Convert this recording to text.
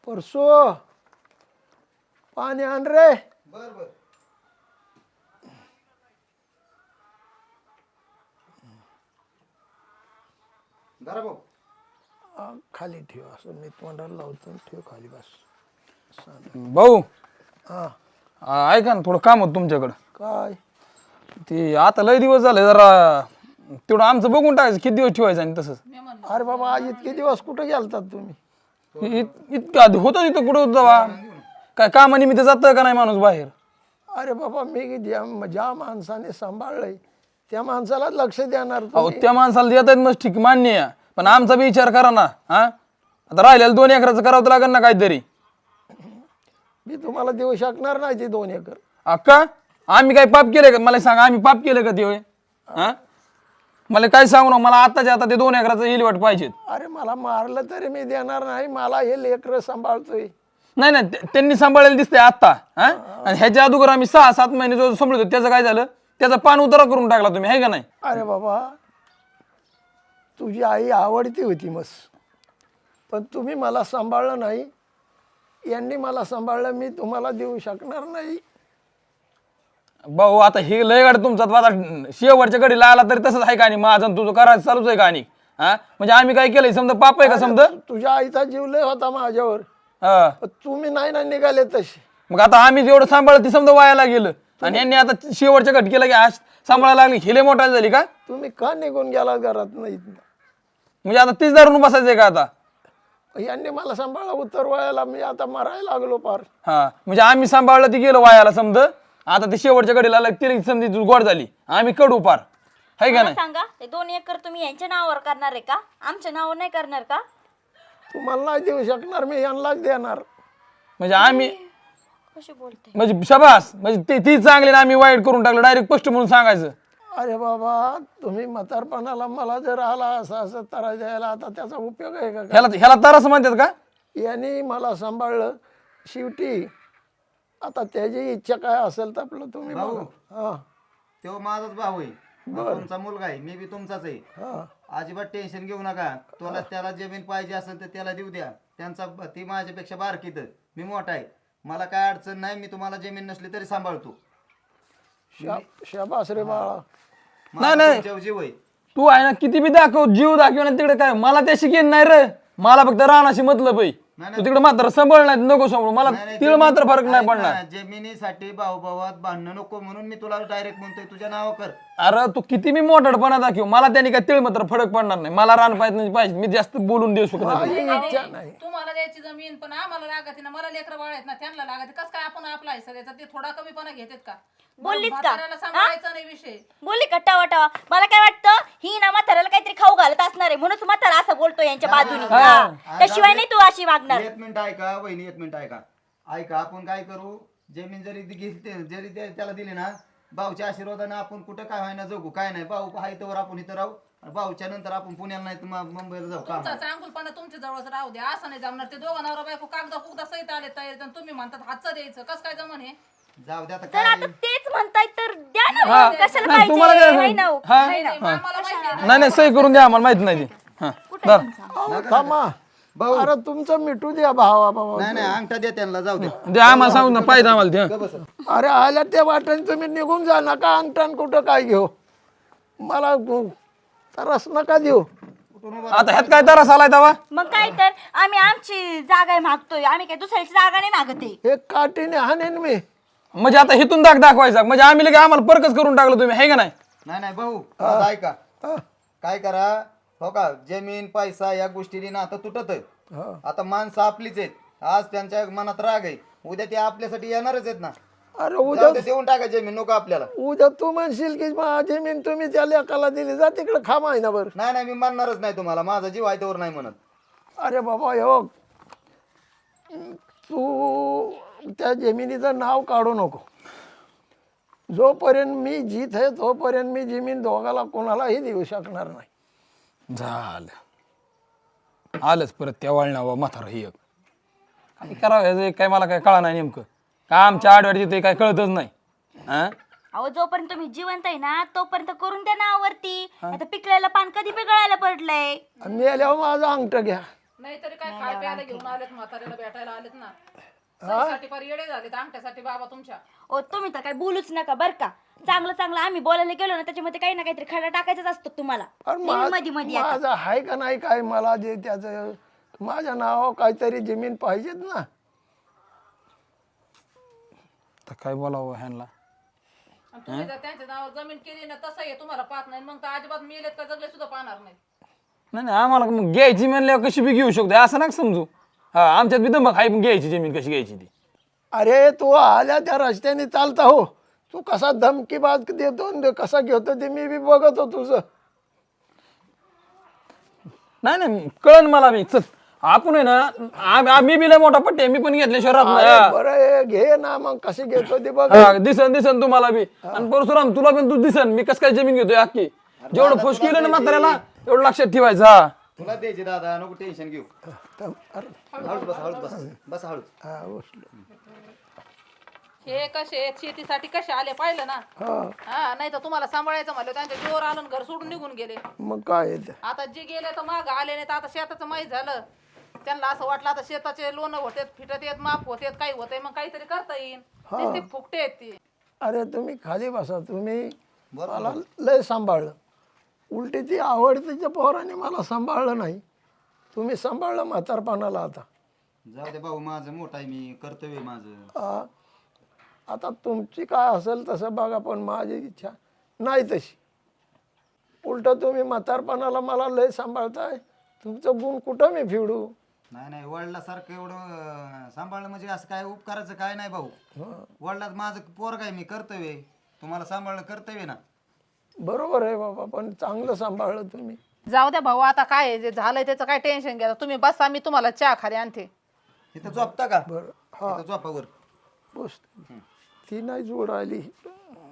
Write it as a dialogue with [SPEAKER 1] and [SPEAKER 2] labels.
[SPEAKER 1] परसो पाणी आण रे.
[SPEAKER 2] बर बर. जरा भाऊ
[SPEAKER 1] खाली ठेव असं मी तोंडाला लावतो ठेव खाली बस.
[SPEAKER 3] भाऊ
[SPEAKER 1] हा
[SPEAKER 3] ऐका ना थोडं काम होतं तुमच्याकडं.
[SPEAKER 1] काय
[SPEAKER 3] ते आता लय दिवस झाले जरा तेवढं आमचं बघून टाकायचं किती दिवस ठेवायचं आणि तसंच.
[SPEAKER 1] अरे बाबा आज इतके दिवस कुठे गेलतात तुम्ही?
[SPEAKER 3] इतकं आधी होतं तिथं कुठं होतं बा काय कामानिमित्त जातं का नाही माणूस बाहेर.
[SPEAKER 1] अरे बाबा मी ज्या माणसाने सांभाळलंय त्या माणसाला लक्ष देणार
[SPEAKER 3] अहो
[SPEAKER 1] तुम्ही.
[SPEAKER 3] त्या माणसाला देत आहेत मस्त ठीक मान्य आहे पण आमचा बी विचार करा ना. हा आता राहिलेलं 2 एकराचं करावं लागेल ना काहीतरी.
[SPEAKER 1] मी तुम्हाला देऊ शकणार नाही ते 2 एकर.
[SPEAKER 3] अक्का आम्ही काय पाप केलं का मला सांगा आम्ही पाप केलं का ते होय. हा मला काय सांगू ना मला आताच्या आता ते 2 एकराचं इलवट पाहिजेत.
[SPEAKER 1] अरे मला मारलं तरी मी देणार नाही. मला हे लेकरं सांभाळतोय.
[SPEAKER 3] नाही नाही त्यांनी सांभाळायला दिसतंय आत्ता. हा आणि ह्याच्या अगोदर आम्ही 6-7 महिने जो सांभाळतो त्याचं काय झालं त्याचा पान उतारा करून टाकला तुम्ही आहे का नाही.
[SPEAKER 1] अरे बाबा तुझी आई आवडती होती मस पण तुम्ही मला सांभाळलं नाही. यांनी मला सांभाळलं मी तुम्हाला देऊ शकणार नाही.
[SPEAKER 3] भाऊ आता हे लय गाडी तुमचा आता शेवटच्या घडीला आला तरी तसंच आहे का आणि माझं आणि तुझं करायचं चालूच आहे का आणि हा म्हणजे आम्ही काय केलंय समजा पाप आहे का समजा.
[SPEAKER 1] तुझ्या आईचा जीव लय होता माझ्यावर.
[SPEAKER 3] हा
[SPEAKER 1] पण तुम्ही नाही ना निघाले तसे.
[SPEAKER 3] मग आता आम्ही जेवढं सांभाळलं ते समजा वायाला गेलं आणि यांनी आता शेवटच्या घटकेला की आज सांभाळायला लागली हिले मोठा झाली का.
[SPEAKER 1] तुम्ही का निघून गेला घरात नाही?
[SPEAKER 3] म्हणजे आता तीच धरून बसायचंय का आता.
[SPEAKER 1] यांनी मला सांभाळलं उत्तर वयाला मी आता मरायला लागलो पार.
[SPEAKER 3] हा म्हणजे आम्ही सांभाळलं ती गेलं वायाला समज आता ते शेवटच्या घडीला आलं ती समजी गोड झाली आम्ही कडू पार आहे का
[SPEAKER 4] मला
[SPEAKER 3] नाही.
[SPEAKER 4] सांगा ते 2 एकर तुम्ही यांच्या नावावर करणार आहे का? आमच्या नावावर नाही करणार का?
[SPEAKER 1] तुम्हाला नाही देऊ शकणार मी यांनाच देणार.
[SPEAKER 3] म्हणजे आम्ही
[SPEAKER 4] कशी बोलते?
[SPEAKER 3] म्हणजे शबास म्हणजे ती चांगली ना आम्ही वाईट करून टाकलं डायरेक्ट स्पष्ट म्हणून सांगायचं.
[SPEAKER 1] अरे बाबा तुम्ही म्हातारपणाला मला जर आला असं असं तरा द्यायला आता त्याचा उपयोग आहे का?
[SPEAKER 3] ह्याला तरच म्हणतात का.
[SPEAKER 1] यांनी मला सांभाळलं शेवटी आता त्याची इच्छा काय असेल तर आपलं तुम्ही
[SPEAKER 2] भाऊ.
[SPEAKER 1] बघा. हा
[SPEAKER 2] तो माझाच भाऊ आहे. हा तुमचा मुलगा आहे मी बी तुमचाच आहे.
[SPEAKER 1] हा
[SPEAKER 2] अजिबात टेन्शन घेऊ नका. तुला त्याला जमीन पाहिजे असेल तर त्याला देऊ द्या. त्यांचा ती माझ्यापेक्षा बारकीत मी मोठा आहे. मला काय अडचण नाही. मी तुम्हाला जमीन नसली तरी सांभाळतो.
[SPEAKER 1] शाबास रे बाळा.
[SPEAKER 2] माझा तुमच्यावर जीव आहे.
[SPEAKER 3] तू आहे ना किती बी दाखव जीव दाखव ना तिकडे काय मला त्याशी घेण नाही रे. मला फक्त राहण्याशी मतलब आहे. तू तिकडे मात्र सांभाळ नाही नको सांभाळू मला तिकडे मात्र फरक नाही पडणार.
[SPEAKER 2] जमिनीसाठी भाऊभावात भांडणं नको म्हणून मी तुला डायरेक्ट म्हणतोय तुझ्या नाव कर.
[SPEAKER 3] अरे तू किती मी मोठडपणा दाखव मला त्याने काय तिळ मात्र फरक पडणार नाही. मला रान पाहिजे मी जास्त बोलून देऊ शकत नाही.
[SPEAKER 1] माझी इच्छा नाही.
[SPEAKER 5] तुम्हाला द्यायची जमीन पण आम्हाला लागत ना. मला लेकरं बाळ आहेत ना त्यांना लागत. कस काय आपण आपला हिस्सा द्यायचा? ते थोडा कमीपणा घेतात का?
[SPEAKER 4] बोललीच का?
[SPEAKER 5] म्हाताऱ्याला सांभाळायचा नाही विषय.
[SPEAKER 4] बोलली का टावा टावा? मला काय वाटतं ही ना म्हाताऱ्याला काहीतरी खाऊ घालत असणार आहे म्हणून म्हातारा असं बोलतो यांच्या बाजूने. हा. त्याशिवाय नाही तू अशी वागणार.
[SPEAKER 2] एक मिनिट ऐका वहिनी, एक मिनिट ऐका. ऐका आपण काय करू जमीन जरी घेतली जरी त्याला दिली ना भाऊच्या आशीर्वादाने आपण कुठं काय व्हायना जगू काय नाही. भाऊ आहे तर आपण इथं राहू. भाऊच्या नंतर आपण पुण्याला नाही तर मुंबईला जाऊ.
[SPEAKER 5] तुमचा चांगुलपणा तुमच्या जवळच राहू द्या. असं नाही जमणार. ते दोघं नवरा बायको कागदा कुगदा सहित आले तयार आणि तुम्ही म्हणतात हातचं द्यायचं. कसं काय जमन हे?
[SPEAKER 2] जाऊ द्या आता
[SPEAKER 4] जर
[SPEAKER 2] काय.
[SPEAKER 4] आता तेच म्हणताय तर द्या ना.
[SPEAKER 3] हा.
[SPEAKER 4] कशाला
[SPEAKER 3] नाही, तुम्हाला
[SPEAKER 4] पाहिजे?
[SPEAKER 3] काय
[SPEAKER 4] नाही ना हो.
[SPEAKER 3] हा?
[SPEAKER 5] नाही, नाही, आम्हाला माहिती आहे.
[SPEAKER 3] नाही नाही सही करून द्या आम्हाला माहित नाही ते. हा धर.
[SPEAKER 1] अहो, थांबा अरे तुमचं मिठू द्या भावा बाबा.
[SPEAKER 2] नाही नाही अंगठा द्या त्यांना जाऊ द्या.
[SPEAKER 3] दे आम्हाला सांगून ना पाहिजे आम्हाला ते.
[SPEAKER 2] ग बस.
[SPEAKER 1] अरे आल्या त्या वाटेने तुम्ही निघून जा नका अंगठण कुठं काय घेऊ. मला तरस नका देऊ.
[SPEAKER 3] आता ह्यात काय तरस आलाय तवा.
[SPEAKER 4] मग काय तर आम्ही आमची जागा मागतोय. आम्ही काय दुसऱ्याची जागा नाही मागत आहे.
[SPEAKER 1] हे काठीने हाणेन मी.
[SPEAKER 3] म्हणजे आता हिथून दाखवायचा म्हणजे आम्ही लगे आम्हाला परकच करून टाकलं तुम्ही आहे का नाही.
[SPEAKER 2] नाही नाही भाऊ माझं ऐका. काय करा हो का जमीन पैसा या गोष्टीने ना आता तुटत आहे. आता माणसं आपलीच आहेत. आज त्यांच्या मनात राग आहे. उद्या ते आपल्यासाठी येणारच आहेत ना.
[SPEAKER 1] अरे
[SPEAKER 2] जाऊ
[SPEAKER 1] उद्या
[SPEAKER 2] दे, देऊन टाका जमीन नको आपल्याला.
[SPEAKER 1] उद्या तू म्हणशील की जमीन तुम्ही त्या लेकाला दिली जा तिकडे खा महिनाभर.
[SPEAKER 2] नाही नाही मी मानणारच नाही तुम्हाला. माझा जीव आहे त्यावर नाही म्हणत.
[SPEAKER 1] अरे बाबा हो तू त्या जमिनीचं नाव काढू नको. जोपर्यंत मी जीत आहे तोपर्यंत मी जमीन दोघाला कोणालाही देऊ शकणार नाही.
[SPEAKER 3] झालं आलंच परत त्या वळणावर म्हातारा ही एक काय करावं काय मला काय कळा नाही नेमकं का आमच्या आडवाडी तिथे काय कळतच नाही. हा
[SPEAKER 4] अहो जोपर्यंत तुम्ही जिवंत आहे ना तोपर्यंत करून द्या नावावरती. आता पिकलेलं पान कधी पिकळायला पडलंय.
[SPEAKER 1] मेल्यावर माझं अंगठं घ्या.
[SPEAKER 5] नाहीतरी काय खाय प्यायला घेऊन आलेत म्हाताऱ्याला भेटायला आलेत ना सहीसाठी फार येडे झालेत अंगठ्यासाठी बाबा तुमच्या.
[SPEAKER 4] ओ तुम्ही तर काय बोलूच नका बर का. चांगलं चांगलं आम्ही बोलायला गेलो ना त्याच्यामध्ये काही ना काहीतरी खडा टाकायचाच असतो तुम्हाला.
[SPEAKER 1] अरे
[SPEAKER 4] मध्ये मध्ये आता.
[SPEAKER 1] माझं आहे का नाही काय, मला जे त्याचं माझ्या नावावर काहीतरी जमीन पाहिजेत ना.
[SPEAKER 3] तर काय बोलावं ह्यांना.
[SPEAKER 5] आणि तुम्ही जर त्यांच्या नावावर जमीन केली ना तसं आहे तुम्हाला पाहत नाही मग तर अजिबात मेलेत का जगले सुद्धा पाहणार नाही.
[SPEAKER 3] नाही आम्हाला मग घ्यायची म्हणल्यावर कशी बी घेऊ शकतो असं नका समजू. हा आमच्यात बी दमक आहे, घ्यायची जमीन कशी घ्यायची ती.
[SPEAKER 1] अरे तू आल्या त्या रस्त्याने चालता हो, तू कसा धमकी बाज देतो न कसा घेतो ते मी बी बघतो तुझं.
[SPEAKER 3] नाही नाही कळन मला बी. चल आपण आहे ना मी बी लय मोठा पट्टी आहे, मी पण घेतल्याशिवाय राहत
[SPEAKER 1] अरे
[SPEAKER 3] नाही.
[SPEAKER 1] बरं आहे, घे ना मग कशी घेतो ते बघ.
[SPEAKER 3] हा, दिसन तुम्हाला बी. आणि परशुराम तुला पण तू दिसन मी कस काय जमीन घेतोय अख्खी. जेवढं फुस केलं ना म्हाताऱ्याला एवढं लक्षात ठेवायचं. हा
[SPEAKER 2] तुला द्यायची दादा, नको टेन्शन घेऊ.
[SPEAKER 1] अरे
[SPEAKER 2] हळूच बस, हळूच बस, बस हळूच.
[SPEAKER 1] हा, बसलो.
[SPEAKER 5] हे कसे आहेत, शेतीसाठी कसे आले पाहिलं ना.
[SPEAKER 1] हा
[SPEAKER 5] हा नाही तर तुम्हाला सांभाळायचं म्हणलं त्यांच्या जोर आलं आणि घर सोडून निघून गेले.
[SPEAKER 1] मग काय आहे ते.
[SPEAKER 5] आता जे गेले तर माग आले नाही तर आता शेताचं माहीत झालं त्यांना असं वाटलं आता शेताचे लोन होतेत फिटत येत माफ होतेत काही होतंय मग काहीतरी करता येईल. नुसते फुकटे आहेत ते.
[SPEAKER 1] अरे तुम्ही खाली बसा, तुम्ही मला लय सांभाळलं. उलटी ती आवडतीच्या पोराने मला सांभाळलं नाही, तुम्ही सांभाळलं म्हातारपणाला. आता
[SPEAKER 2] जाऊ दे भाऊ, माझं मोठा आहे, मी कर्तव्य माझं.
[SPEAKER 1] हा, आता तुमची काय असेल तसं बघा, पण माझी इच्छा नाही तशी. उलट तुम्ही म्हातारपणाला मला लय सांभाळताय, तुमचं गुण कुठं मी फिडू.
[SPEAKER 2] नाही वडिलासारखं एवढं सांभाळलं म्हणजे असं काय उपकाराचं काय नाही भाऊ. वडिलात माझं पोरग आहे, मी कर्तव्य आहे, तुम्हाला सांभाळणं कर्तव्य ना.
[SPEAKER 1] बरोबर आहे बाबा, पण चांगलं सांभाळलं तुम्ही.
[SPEAKER 5] जाऊ द्या भाऊ आता काय आहे, जे झालंय त्याचं काय टेन्शन घ्या तुम्ही. बसा मी तुम्हाला चहा खाली आणते.
[SPEAKER 2] इथं झोपता का?
[SPEAKER 1] बरं हा
[SPEAKER 2] इथं झोपावर
[SPEAKER 1] बस. ती नाही जोड आली.